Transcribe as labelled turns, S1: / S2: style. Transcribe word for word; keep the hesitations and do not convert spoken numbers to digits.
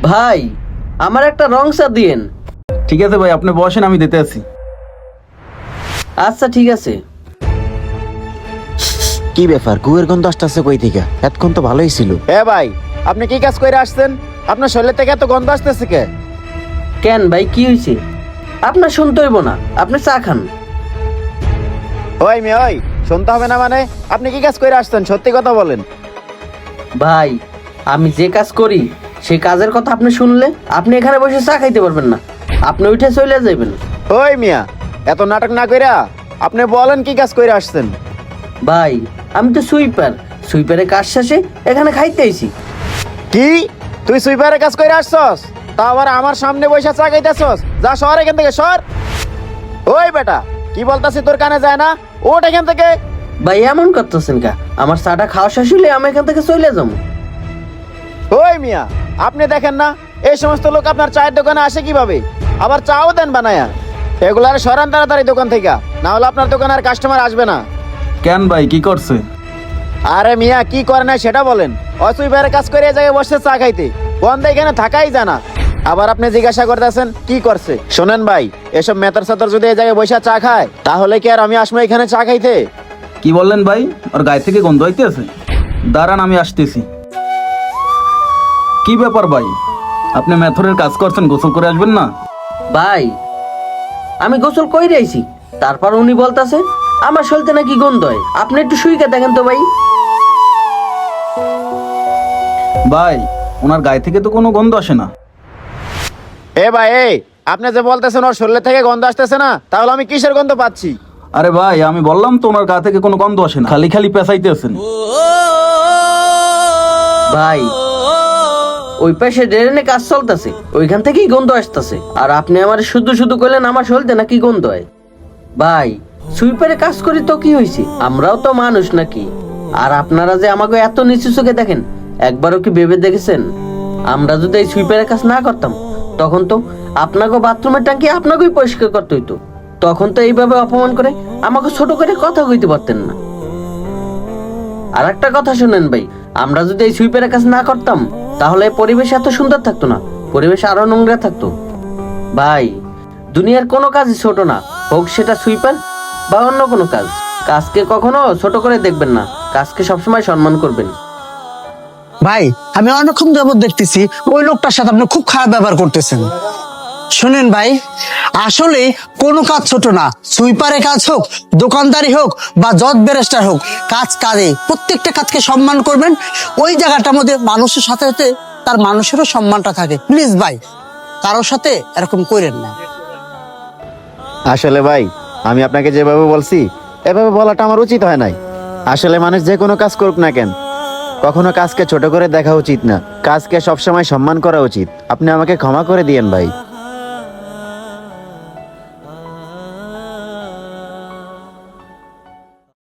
S1: ভাই আমার একটা রং চা দিয়েন।
S2: ঠিক আছে ভাই, আপনি বসেন, আমি দিতে আছি।
S1: আচ্ছা ঠিক আছে।
S3: কি ব্যাপার, গুয়ের গন্ধ আসতেছে কই থেকে? এতক্ষণ তো ভালোই ছিল। এ ভাই, আপনি কি কাজ করে আসছেন? আপনার শরীর থেকে এত গন্ধ আসতেছে কে?
S1: কেন ভাই কি হয়েছে? আপনার শুনতে হইব না, আপনি চা খান।
S3: ওই মেয়ে ওই, শুনতে হবে না মানে? আপনি কি কাজ করে আসছেন সত্যি কথা বলেন।
S1: ভাই আমি যে কাজ করি সেই কাজের কথা আপনি শুনলে আপনি এখানে বসে চা খাইতে পারবেন না, আপনি উঠে চলে যাবেন।
S3: ওই মিয়া, এত নাটক না কইরা আপনি বলেন কি কাজ করে আসছেন।
S1: ভাই আমি তো সুইপার, সুইপারের কাজ শেষে এখানে খাইতে আইছি।
S3: কি তুই সুইপারের কাজ করে আসছস? তা আবার আমার সামনে বসে চা খাইতেছস? যা সর এখান থেকে, সর। ওই বেটা, কি বলতাছি তোর কানে যায় না? ওঠ এখান থেকে।
S1: ভাই এমন করতেছেন কা? আমার চাটা খাওয়া শেষ হলে আমি এখান থেকে চলে যাবো।
S3: ওই মিয়া, আপনি দেখেন না এই সমস্ত লোক আপনার চায়ের দোকানে আসে কিভাবে? আবার চাও দেন বানায়া। এগুলার সরান তাড়াতাড়ি দোকান থেকে, না হলে আপনার দোকানে আর কাস্টমার আসবে না।
S2: কেন ভাই, কি করছে?
S3: আরে মিয়া, কি করে না সেটা বলেন। অসুইবারে কাজ করে এই জায়গায় বসে চা খাইতে, বন্ধ এখানে থাকাই জানা। আবার আপনি জিজ্ঞাসা করতেছেন কি করছে। শোনেন ভাই, এসব মেতর সাতর যদি এই জায়গায় বসে চা খায় তাহলে কি আর আমি আসবো এখানে চা খাইতে?
S2: কি বললেন ভাই? ওর গায়ে থেকে গন্ধ হইতেছে? দাঁড়ান, আমি আসতেছি। কি ব্যাপার ভাই, আপনি মেথরের কাজ করছেন, গোসল করে আসবেন না?
S1: ভাই আমি গোসল কই আইছি, তারপর উনি বলতাছে আমার শরীরে নাকি গন্ধ হয়। আপনি একটু শুইকে দেখেন তো ভাই।
S2: ভাই ওনার গায়ে থেকে তো কোনো গন্ধ আসে না।
S3: এ ভাই, এই আপনি যে বলতেছেন ওর শরীর থেকে গন্ধ আসতেছে না, তাহলে আমি কিসের গন্ধ পাচ্ছি?
S2: আরে ভাই, আমি বললাম তো ওনার গা থেকে কোনো গন্ধ আসে না, খালি খালি পেঁচাইতেছেন।
S1: ভাই ওই পাশে ড্রেনে কাজ চলতেছে, ওইখান থেকেই গন্ধ আসতেছে। আর আপনি আমার শুধু শুধু কইলেন আমার শরীরে নাকি গন্ধ হয়। ভাই সুইপারে কাজ করি তো কি হয়েছে, আমরাও তো মানুষ নাকি? আর আপনারা যে আমাকে এত নিচু চোখে দেখেন, একবারও কি ভেবে দেখেছেন আমরা যদি এই সুইপারের কাজ না করতাম তখন তো আপনাকে বাথরুমের ট্যাঙ্কি আপনাকেই পরিষ্কার করতে হইতো। তখন তো এইভাবে অপমান করে আমাকে ছোট করে কথা কইতে পারতেন না। আর একটা কথা শুনেন ভাই, আমরা যদি এই সুইপারের কাজ না করতাম তাহলে পরিবেশ এত সুন্দর থাকতো না, পরিবেশ আরো নোংরা থাকতো। ভাই দুনিয়ার কোনো কাজই ছোট না, হোক সেটা সুইপার বা অন্য কোনো কাজ। কাজকে কখনো ছোট করে দেখবেন না, কাজকে সবসময় সম্মান করবেন।
S4: ভাই আমি অনেকক্ষণ যাবত দেখতেছি ওই লোকটার সাথে আপনি খুব খারাপ ব্যবহার করতেছেন। শুনেন ভাই, আসলে কোনো কাজ ছোট না, সুইপারের কাজ হোক, দোকানদারি হোক বা জজ ব্যারিস্টার হোক, কাজ কাজে প্রত্যেকটা কাজকে সম্মান করবেন। ওই জায়গাটার মধ্যে মানুষের সাথে সাথে তার মানুষেরও সম্মানটা থাকে। প্লিজ ভাই, কারোর সাথে এরকম করেন না।
S3: আসলে ভাই, আমি আপনাকে যেভাবে বলছি এভাবে বলাটা আমার উচিত হয় নাই। আসলে মানুষ যে কোনো কাজ করুক না কেন, কখনো কাজকে ছোট করে দেখা উচিত না, কাজকে সবসময় সম্মান করা উচিত। আপনি আমাকে ক্ষমা করে দিয়েন ভাই।